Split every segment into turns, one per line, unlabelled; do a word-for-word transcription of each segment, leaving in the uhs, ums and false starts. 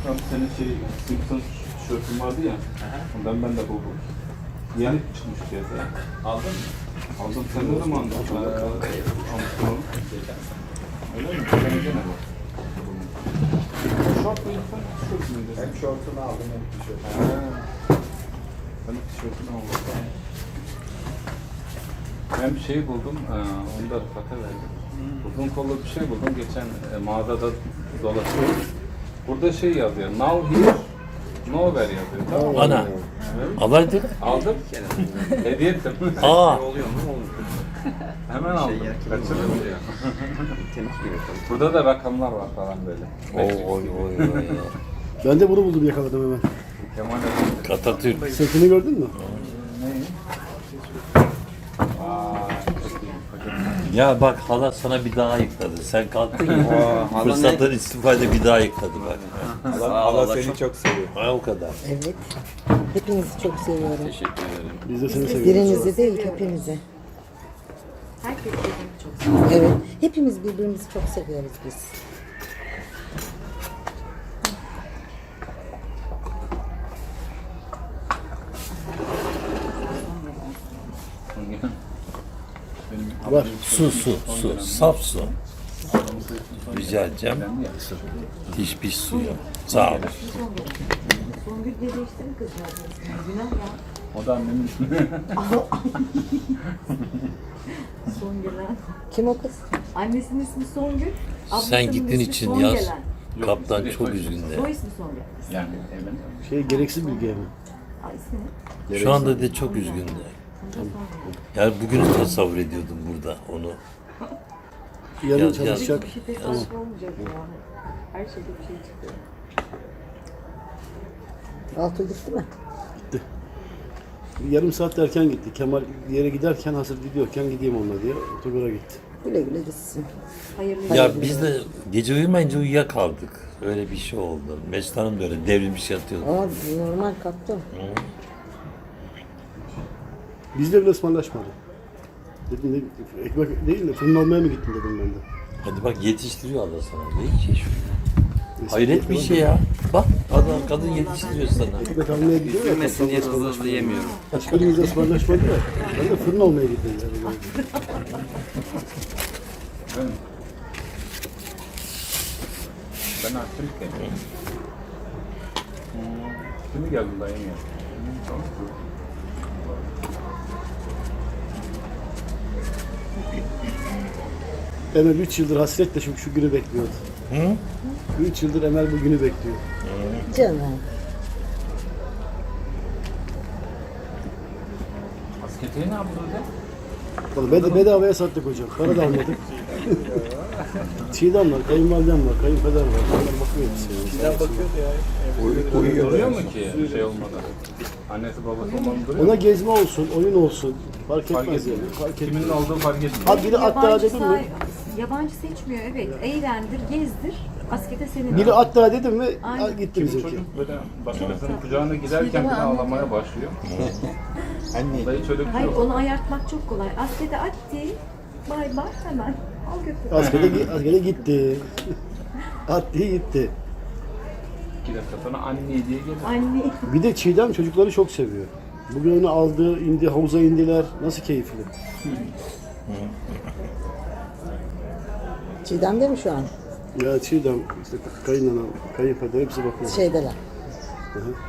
Rakam senin şey Simpsons tişörtün vardı ya.
Aha.
Ondan ben de buldum. Yeni çıkmış piyasaya.
Aldın mı?
Aldım. Sen ne zaman aldın? Ee, almıştın onu. Öyle mi? Sen gene bak. Şort muydu sen? Tişört müydü?
Hem şortunu aldım hem tişörtünü.
Ha. Ben de tişörtünü aldım. Ben bir şey buldum. Ee, onu da Rıfat'a verdim. Uzun kollu bir şey buldum. Geçen e, mağazada dolaşıyorum. Burada şey yazıyor. Now here, nowhere yazıyor. Tamam mı?
Ana.
Evet.
Alaydı.
Aldım. Hediye ettim.
Aa.
Oluyor mu? Olmuyor.
Hemen aldım.
yerken
Kaçırdım
oluyor.
diyor.
Temiz gibi tabii.
Burada da rakamlar var falan böyle.
Oy oy oy oy.
Ben de bunu buldum, yakaladım hemen.
Kemal Efendi.
Atatürk.
Setini gördün mü?
Neyi? Vay, çok iyi. Kocaman.
Ya bak hala sana bir daha yıkladı. Sen kalktın ya.
Aa, hala
Fırsattan istifade bir daha yıkladı bak.
Sağ ol,
Allah
Allah
seni
çok
çok seviyor.
Ha o kadar.
Evet. Hepinizi çok seviyorum.
teşekkür ederim.
Biz de seni seviyoruz.
Birinizi değil, hepinizi.
Herkes birbirini çok seviyor.
Evet. Hepimiz birbirimizi çok seviyoruz biz.
Benim
Var.
Su su su. Saf su. Rica edeceğim. Diş piş suyu. Sağ ol.
Songül diye değiştirin kızcağız. Günah ya.
O da annemin ismi.
Songelen.
Kim o kız?
Annesinin ismi Songül. ablasının
Sen gittiğin
ismi
için
Songelen.
yaz. Kaptan çok üzgün de.
Soy ismi Songül.
Yani evet.
Şey, gereksiz bilgi yani.
Aa, ismi ne?
Şu anda de çok üzgün de. Yani bugünü tasavvur ediyordum burada onu.
Yarın
Yaz, yaz.
çalışacak.
Bir şey tesadüf olmayacak yani. Her şeyde bir şey çıkıyor.
Altı gitti mi?
Yarım saat erken gitti. Kemal bir yere giderken, hazır gidiyorken gideyim onunla diye otogara gitti.
Güle güle gitsin.
Hayırlı
Ya biz de gece uyumayınca uyuyakaldık. Öyle bir şey oldu. Mesut Hanım da öyle devrilmiş yatıyordu.
Ama normal kalktı.
Bizle bile ısmarlaşmadı. Dedim ne, ekmek değil de fırın almaya mı gittin dedim ben de.
Hadi bak yetiştiriyor Allah sana. Ne ki şu? Hayret bir şey ya. Bak adam kadın yetiştiriyor sana.
Ekmek almaya gidiyor ya.
Üzülmesin diye hızlı hızlı yemiyorum.
Hiçbirimizle ısmarlaşmadı ya. Ben de fırın almaya gittim yani.
Ben, ben Afrika'yım. Hmm. Şimdi geldim dayım ya. Tamam.
Emel üç yıldır hasretle şu, şu günü bekliyordu.
Hı?
üç yıldır Emel bu günü bekliyor.
Canım.
Asketeyi ne yaptın hocam?
Vallahi bed bedavaya sattık hocam. Para da almadık. Çiğdem var, kayınvalidem var, kayınpeder var. Onlar bakıyor hepsi.
Bizden bakıyordu ya.
Uyuyor, uyuyor mu ki şey olmadan? Annesi babası olmanın duruyor mu?
Ona gezme olsun, oyun olsun. Fark
Fark
etmez yani.
etmiyor.
Fark etmez.
Kimin olduğu fark etmiyor.
Ha biri hatta
Yabancı
dedim mi?
say- Yabancı seçmiyor evet. Eğlendir, gezdir. Askete senin.
Biri hatta dedim mi?
Aynen.
Ha, gitti
Kimi
bizimki.
çocuk böyle başkasının kucağına giderken bile ağlamaya başlıyor.
Anne.
Dayı çocuk
Hayır
yok.
onu ayartmak çok kolay. Askete atti. Bay bay hemen. Al götür.
Askere, gi- askere gitti. Attı gitti.
İki dakika sonra anne diye gelir.
Anne.
Bir de Çiğdem çocukları çok seviyor. Bugün onu aldı, indi, havuza indiler. Nasıl keyifli.
Çiğdem de mi şu an?
Ya Çiğdem, işte kayınlanan, kayınpeder hepsi bakıyor.
Şeydeler.
Hı hı.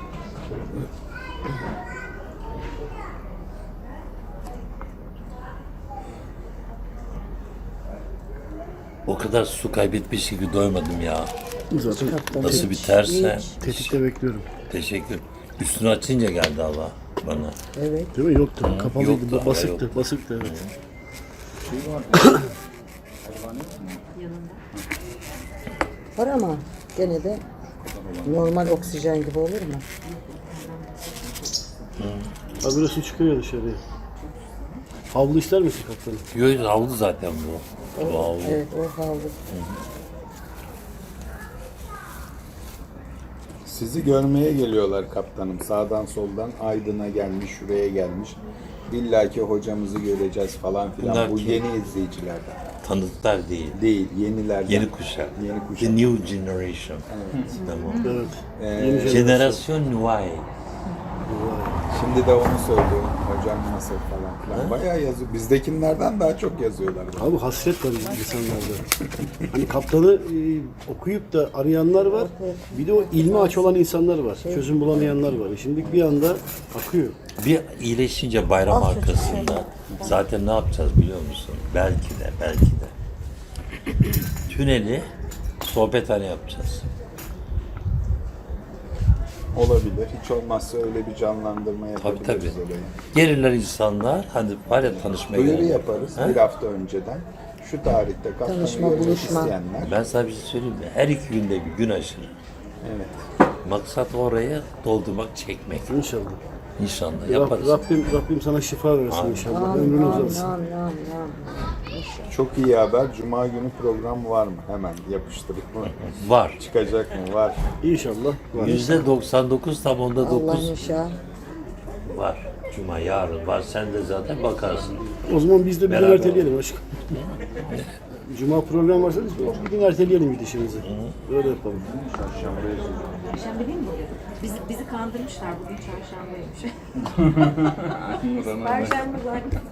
O kadar su kaybetmiş gibi doymadım ya.
Zaten
Nasıl biterse.
tetikte bekliyorum.
Teşekkür. Üstünü açınca geldi hava bana.
Evet.
Değil mi? Yoktu. Kapalıydı.
yoktu, hava
basıktı.
yoktu.
Basıktı evet.
Şey var. Hayvan yok mu?
Yanında.
Var ama gene de normal oksijen gibi olur mu?
Habire su çıkıyor dışarıya. Havlu ister misin kaptanım?
Yok havlu zaten bu. Bu havlu.
Evet o havlu.
Sizi görmeye geliyorlar kaptanım. Sağdan soldan Aydın'a gelmiş, şuraya gelmiş. İlla ki hocamızı göreceğiz falan filan.
Bunlar
Bu
kim?
yeni izleyicilerden.
Tanıdıklar değil.
Değil, yenilerden.
Yeni kuşak.
Yeni kuşak.
The new generation. Tamam.
Evet.
Ee,
Yeni
Jenerasyon Nouvelle.
Şimdi de onu söylüyorum. Hocam nasıl falan filan. Bayağı yazıyor. Bizdekilerden daha çok yazıyorlar.
Abi hasret var insanlarda. Hani kaptanı e, okuyup da arayanlar var. Bir de o ilmi aç olan insanlar var. Çözüm bulamayanlar var. Şimdi bir anda akıyor.
Bir iyileşince bayram arkasında zaten ne yapacağız biliyor musun? Belki de, belki de. Tüneli sohbethane yapacağız.
Olabilir. Hiç olmazsa öyle bir canlandırma
Tabii
yapabiliriz
tabii.
olayı.
Gelirler insanlar, hani var ya tanışmaya
Duyuru
gelirler.
yaparız
Ha?
bir hafta önceden. Şu tarihte kaptanı
Tanışma,
görmek
buluşma.
isteyenler.
Ben sana bir şey söyleyeyim mi? Her iki günde bir gün aşırı.
Evet.
Maksat oraya doldurmak, çekmek.
İnşallah.
İnşallah
Rab-
yaparız.
Rabbim, Rabbim sana şifa versin inşallah.
Amin,
Ömrün
amin,
uzatsın.
amin, amin, amin.
Çok iyi haber. Cuma günü program var mı? Hemen yapıştırıp mı?
Var.
Çıkacak mı? Var.
İnşallah. Var.
Yüzde doksan dokuz tam onda
Allah
dokuz
inşallah.
var. Cuma yarın var. Sen de zaten bakarsın.
O zaman biz de bir gün
Beraber
erteleyelim aşkım. Cuma program varsa biz bir gün erteleyelim gidişimizi. Öyle yapalım.
Perşembe değil mi bugün? Bizi, bizi kandırmışlar. Bugün çarşambaymış. Perşembe zaten.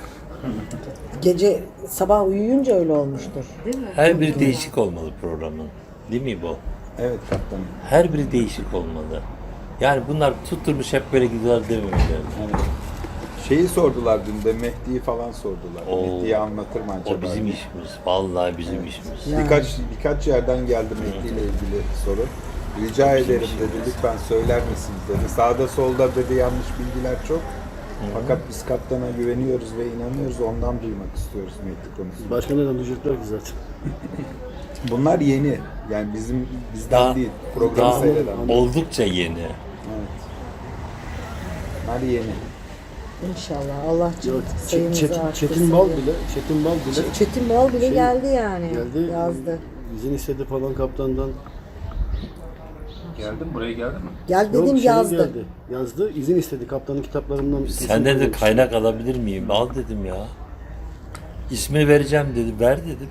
Gece sabah uyuyunca öyle olmuştur.
Değil mi?
Her biri değişik olmalı programın. Değil mi bu?
Evet kaptanım.
Her biri değişik olmalı. Yani bunlar tutturmuş hep böyle gidiyorlar dememeli.
Evet. Şeyi sordular dün de Mehdi'yi falan sordular.
Oo.
Mehdi'yi anlatır mı acaba?
O bizim işimiz. Vallahi bizim işimiz.
Yani.
Birkaç birkaç yerden geldi Mehdi ile ilgili soru. Rica ederim dedi, lütfen söyler misiniz dedi. Sağda solda dedi yanlış bilgiler çok. Fakat biz kaptana güveniyoruz ve inanıyoruz, ondan duymak istiyoruz Mehdi konusunda.
Başka neden duyacaklar ki zaten?
Bunlar yeni, yani bizim bizden
Daha,
değil, programı
daha
seyreden.
oldukça yeni.
Evet. Bunlar yeni.
İnşallah. Allah
Yok, Ç-
sayımızı
Çetin,
arttırsın.
Çetin Bal
diye.
bile, Çetin Bal bile
Ç- Çetin Bal bile
Şey,
geldi yani.
geldi.
Yazdı.
İzin istedi falan kaptandan.
Geldi mi? Buraya geldi mi?
Gel dedim
Yok, şey
yazdı.
geldi. Yazdı. İzin istedi kaptanın kitaplarından.
Senden de kaynak alabilir miyim? Al dedim ya. İsmi vereceğim dedi. Ver dedim.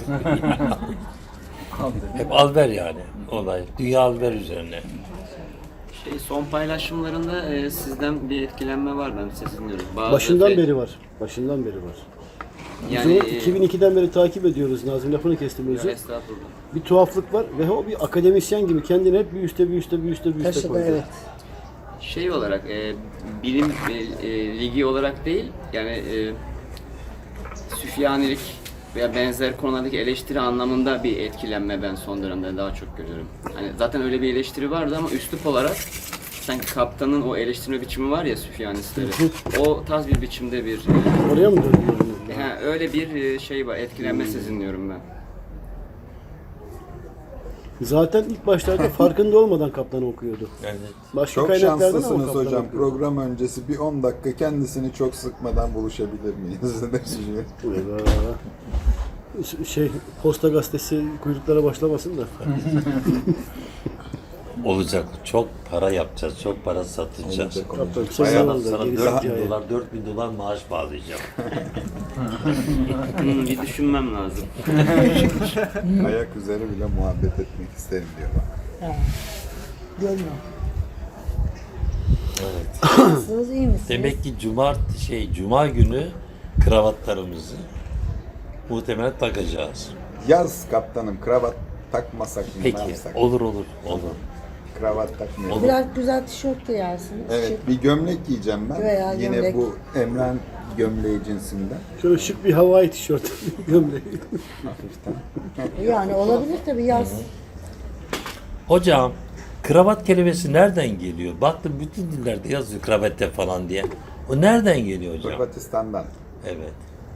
Hep al ver yani olay. Dünya al ver üzerine.
Şey, son paylaşımlarında e, sizden bir etkilenme var, ben sesleniyorum. Bazı
Başından
fe-
beri var. Başından beri var. Biz
Yani
onu iki bin ikiden beri takip ediyoruz. Nazım lafını kestim
e,
özür.
estağfurullah.
Bir tuhaflık var ve o bir akademisyen gibi kendini hep bir üste bir üste bir üste bir üste
Taşıdı
koydu.
evet.
Şey olarak, e, bilim e, e, ligi olarak değil, yani e, süfyanilik veya benzer konulardaki eleştiri anlamında bir etkilenme ben son dönemde daha çok görüyorum. Hani zaten öyle bir eleştiri vardı ama üslup olarak sanki kaptanın o eleştirme biçimi var ya süfyanistleri. O tarz bir biçimde bir e,
Oraya mı döndü?
ha, öyle bir e, şey var, etkilenme sezinliyorum ben.
Zaten ilk başlarda farkında olmadan kaptanı okuyordu.
Yani
Başka
Çok
kaynaklardan ama
şanslısınız
kaptan
hocam.
okuyordu.
Program öncesi bir on dakika kendisini çok sıkmadan buluşabilir miyiz? Ne düşünüyorsun?
Eyvah. Şey, Posta Gazetesi kuyruklara başlamasın da.
olacak. Çok para yapacağız. Çok para satacağız.
Olacak, olacak.
Kaptan kısa
Bayağı-
zamanda
Sana
gerisi
dört bin
hikaye.
dolar, dört bin dolar maaş bağlayacağım.
Hmm, bir düşünmem lazım.
Ayak üzeri bile muhabbet etmek isterim diyor bana.
Görme.
Evet.
Nasılsınız, iyi misiniz?
Demek ki cumart şey cuma günü kravatlarımızı muhtemelen takacağız.
Yaz kaptanım, kravat takmasak mı? ne
Peki.
yapsak?
Olur olur olur.
Kravat takmıyorum.
Biraz güzel tişört giyersiniz.
Evet,
Şık.
bir gömlek giyeceğim ben.
Veya
Yine
gömlek.
bu Emren gömleği cinsinden.
Şöyle şık bir havai tişört gömleği.
Yani olabilir tabii yaz.
Hocam kravat kelimesi nereden geliyor? Baktım bütün dillerde yazıyor kravatte falan diye. O nereden geliyor hocam?
Hırvatistan'dan.
Evet.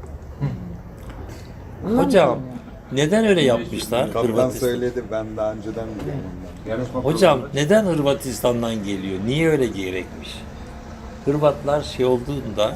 Hocam neden öyle yapmışlar?
Kaptan
Hırvatistan?
söyledi, ben daha önceden biliyorum ondan.
Yarışma
Hocam
programı-
neden Hırvatistan'dan geliyor? Niye öyle gerekmiş? Hırvatlar şey olduğunda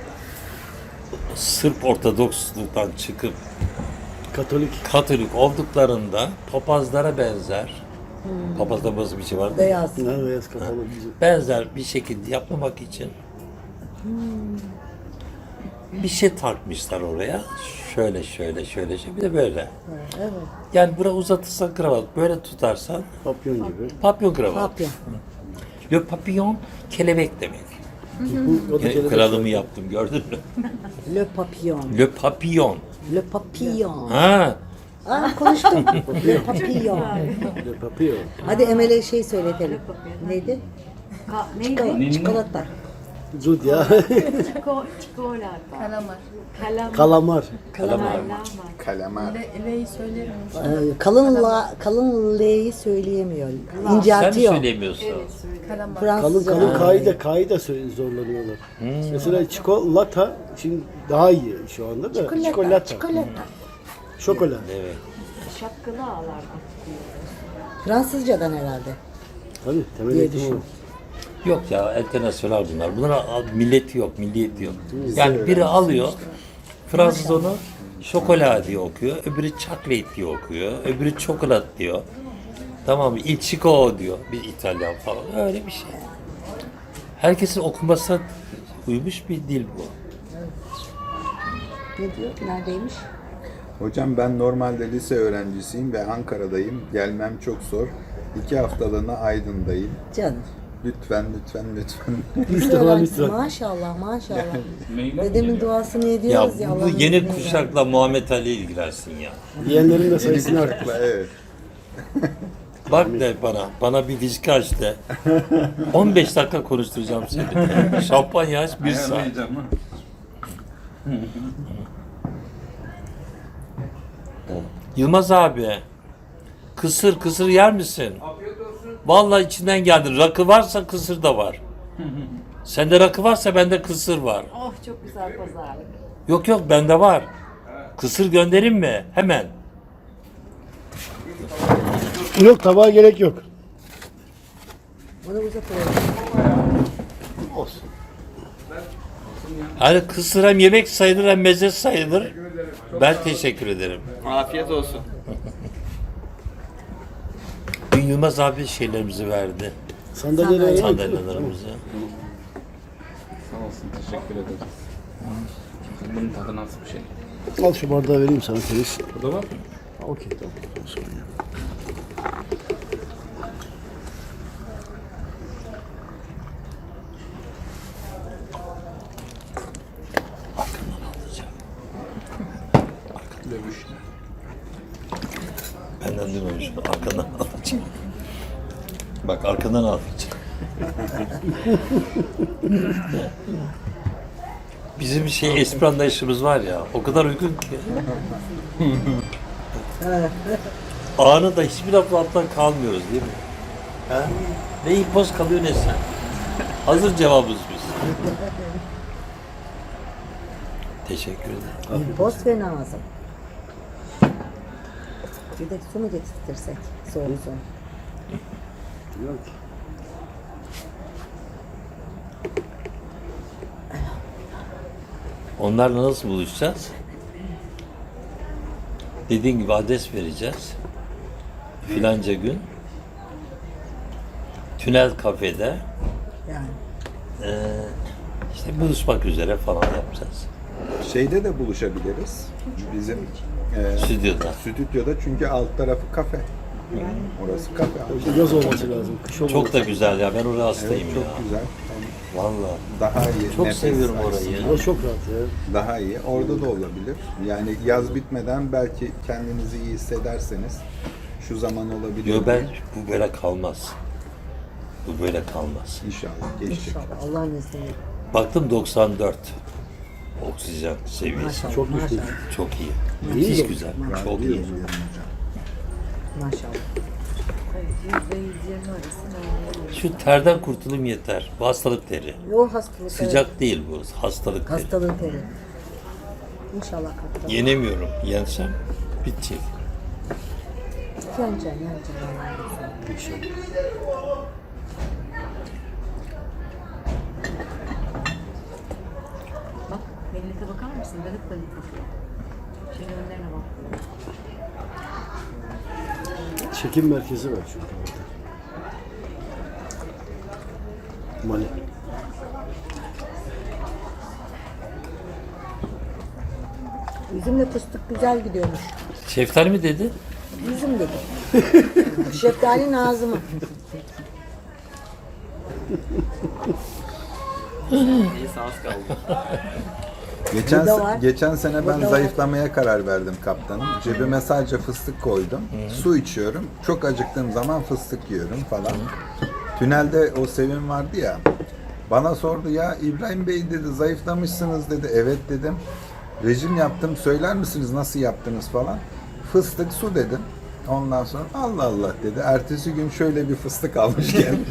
Sırp Ortodoksluktan çıkıp
Katolik.
Katolik olduklarında papazlara benzer, papazda nasıl bir şey var?
Beyaz.
Ne beyaz kapalı bizim.
Benzer bir şekilde yapmamak için bir şey takmışlar oraya. Şöyle şöyle şöyle şöyle bir de böyle.
Evet.
Yani bura uzatırsan kravat, böyle tutarsan
Papyon gibi.
papyon kravat.
Papyon.
Le papillon kelebek demek.
Bu, o da
E,
kelebek.
kralımı yaptım gördün mü?
Le papillon.
Le papillon.
Le papillon.
Ha,
Aa konuştum. Le papillon.
Le papillon.
Hadi Emel'e şey söyletelim. Neydi?
Ka neydi?
Çikolata. Çikolata.
Zud ya.
Çiko, çikolata. Kalamar. Kalamar.
Kalamar.
kalamar.
Kalamar.
Ee, kalın la, kalın L'yi söyleyemiyor.
Sen mi
İnceltiyor.
söylemiyorsun?
Kalın
Fransızca.
kalın K'yı da K'yı da sö- zorlanıyorlar. Mesela çikolata şimdi daha iyi şu anda da.
Çikolata.
Çikolata.
Çikolata.
Şokola.
Evet.
Şapkalı ağlar.
Fransızcadan herhalde.
Tabii temel
Diye
eğitim o.
düşün.
Yok ya, internasyonel bunlar. Bunların milleti yok, milliyeti yok. Yani biri alıyor, Fransız onu şokola diye okuyor, öbürü chocolate diye okuyor, öbürü çokolat diyor. Tamam mı? Il Chico diyor bir İtalyan falan. Öyle bir şey. Herkesin okumasına uymuş bir dil bu.
Ne diyor? Neredeymiş?
Hocam ben normalde lise öğrencisiyim ve Ankara'dayım. Gelmem çok zor. İki haftalığına Aydın'dayım.
Canım.
Lütfen, lütfen, lütfen.
Müslüman lütfen.
Maşallah maşallah.
Mailler mi
Dedemin
geliyor?
duasını
Ya
ediyoruz ya.
bu
Allah'ın
yeni
izniyle.
kuşakla Muhammed Ali ilgilensin ya.
Diyenlerin de sayısını arttır.
Kuşakla, evet.
Bak de bana, bana bir viski aç de. on beş dakika konuşturacağım seni. Şampanya aç bir saat.
Ayarlayacağım ha.
Yılmaz abi, kısır kısır yer misin? Vallahi içinden geldin. Rakı varsa kısır da var. Sende rakı varsa bende kısır var.
Oh çok güzel pazarlık.
Yok yok bende var. Kısır göndereyim mi? Hemen.
Yok tabağa gerek yok.
Onu uzatıyorum.
Olsun.
Hani kısır hem yemek sayılır hem meze sayılır. Ben teşekkür ederim.
Afiyet olsun.
Dün Yılmaz abi şeylerimizi verdi.
Sandalyeleri
Sandalyelerimizi.
Sağ olsun, teşekkür ederiz. Bunun tadı nasıl bir şey?
Al şu bardağı vereyim sana temiz.
Burada var mı?
Okey tamam. Sorun yok.
Dövüş.
Benden duymamış. Arkandan alacağım. Bak arkandan alacağım. Bizim bir şey espri anlayışımız var ya, o kadar uygun ki. Anında hiçbir lafın altından kalmıyoruz değil mi? Ha? Ne impoz kalıyor ne sen. Hazır cevabımız biz. Teşekkür ederim.
İmpost ve Nazım. Bir de su mu getirtirsek? Soğuk su.
Yok.
Onlarla nasıl buluşacağız? Dediğin gibi adres vereceğiz. Filanca gün. Tünel kafede.
Yani.
Ee, işte buluşmak üzere falan yapacağız.
Şeyde de buluşabiliriz. Bizim e,
Stüdyoda.
stüdyoda çünkü alt tarafı kafe. Orası kafe.
İşte yaz olması lazım. Kış olmaması.
Çok da güzel ya. Ben oraya
Evet,
hastayım
çok
ya.
güzel.
Vallahi.
Daha iyi.
Çok
nefes
seviyorum
açısından
orayı.
Burası çok rahat ya.
Daha iyi. Orada da olabilir. Yani yaz bitmeden belki kendinizi iyi hissederseniz şu zaman olabilir.
Yo ben bu böyle kalmaz. Bu böyle kalmaz.
İnşallah geçecek.
İnşallah Allah'ın izniyle.
Baktım doksan dört. Oksijen seviyesi.
Maşallah.
Çok
maşallah.
düşük.
Çok iyi.
İyi
Müthiş
mi?
güzel.
Ben
Çok iyi.
biliyorum yani hocam.
Maşallah.
yüzde yüz yirmi arası normal.
Şu terden kurtulayım yeter. Bu hastalık teri.
O hastalık.
Sıcak değil bu. Hastalık teri.
Hastalık teri. İnşallah kaptan.
Yenemiyorum. Yensem bitecek.
Yanacaksın, yanacaksın Allah'ın izniyle.
İnşallah.
Bak millete bakar mısın? Dönüp dönüp bakıyor. Şimdi önlerine bak.
Çekim merkezi var çünkü orada. Mali.
Üzümle fıstık güzel gidiyormuş.
Şeftali mi dedi?
Üzüm dedi. Şeftali Nazım'ı.
Neyse az kaldı.
Geçen,
Burada
se-
var.
geçen sene ben
Burada var.
zayıflamaya karar verdim kaptanım. Cebime sadece fıstık koydum. Su içiyorum. Çok acıktığım zaman fıstık yiyorum falan. Tünelde o Sevim vardı ya. Bana sordu ya İbrahim Bey dedi zayıflamışsınız dedi. Evet dedim. Rejim yaptım. Söyler misiniz nasıl yaptınız falan. Fıstık su dedim. Ondan sonra Allah Allah dedi. Ertesi gün şöyle bir fıstık almış geldi.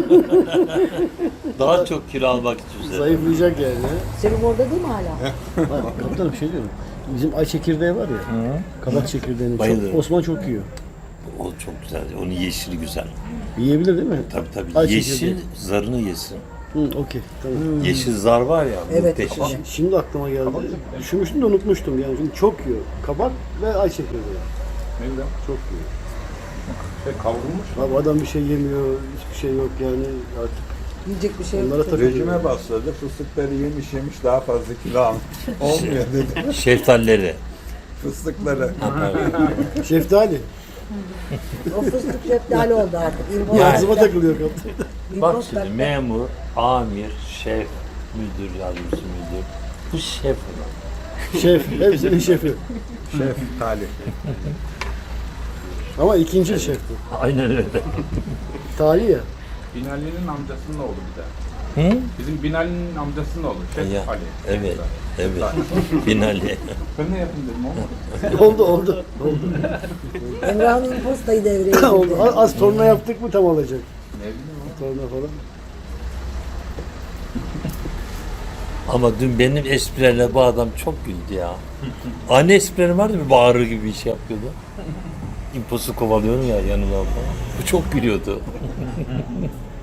Daha çok kilo almak için.
Zayıflayacak yani.
Sevim orada değil mi hala?
Bak, kaptanım bir şey diyorum. Bizim ay çekirdeği var ya. Kabak çekirdeğini
Bayılırım.
çok, Osman çok yiyor.
O çok güzel. Onun yeşili güzel.
Yiyebilir değil mi?
Tabii tabii.
Ay
Yeşil
çekirdeği.
zarını yesin.
Hı, okey. Tamam.
Yeşil zar var ya.
Evet,
muhteşem.
işte.
Şimdi aklıma geldi. Düşünmüştüm de unutmuştum yani. Çünkü çok yiyor. Kabak ve ay çekirdeği.
Ne güzel.
Çok yiyor.
Şey kavrulmuş.
Abi adam bir şey yemiyor, hiçbir şey yok yani artık.
Yiyecek bir şey yok.
Onlara takılıyor.
Rejime başladı. Fıstıkları yemiş yemiş daha fazla kilo almış. Olmuyor dedi.
Şeftalileri.
Fıstıkları.
Şeftali.
O fıstık şeftali oldu artık. İmpoz
Yani-
Ağzıma takılıyor kaptan.
Bak
İmpoz
şimdi
taktı.
memur, amir, şef, müdür, yardımcısı müdür. Bu şef olan.
Şef, hepsinin şefi.
Şef Talih.
Ama ikinci şef bu.
Aynen öyle.
Tali ya.
Binali'nin amcasının oğlu bir de.
Hı?
Bizim Binali'nin amcasının oğlu. Şef
Ya,
Ali.
evet, evet. Binali.
Ben ne yapayım dedim olmadı.
oldu oldu. Oldu.
Emrah'ın impostayı devreye
oldu.
girdi.
Az, az torna yaptık mı tam olacak.
Ne bileyim
Torna falan.
Ama dün benim esprilerle bu adam çok güldü ya. Anne esprilerim vardı bir bağırır gibi bir şey yapıyordu. İmposu kovalıyorum ya yanımdan falan. Bu çok gülüyordu.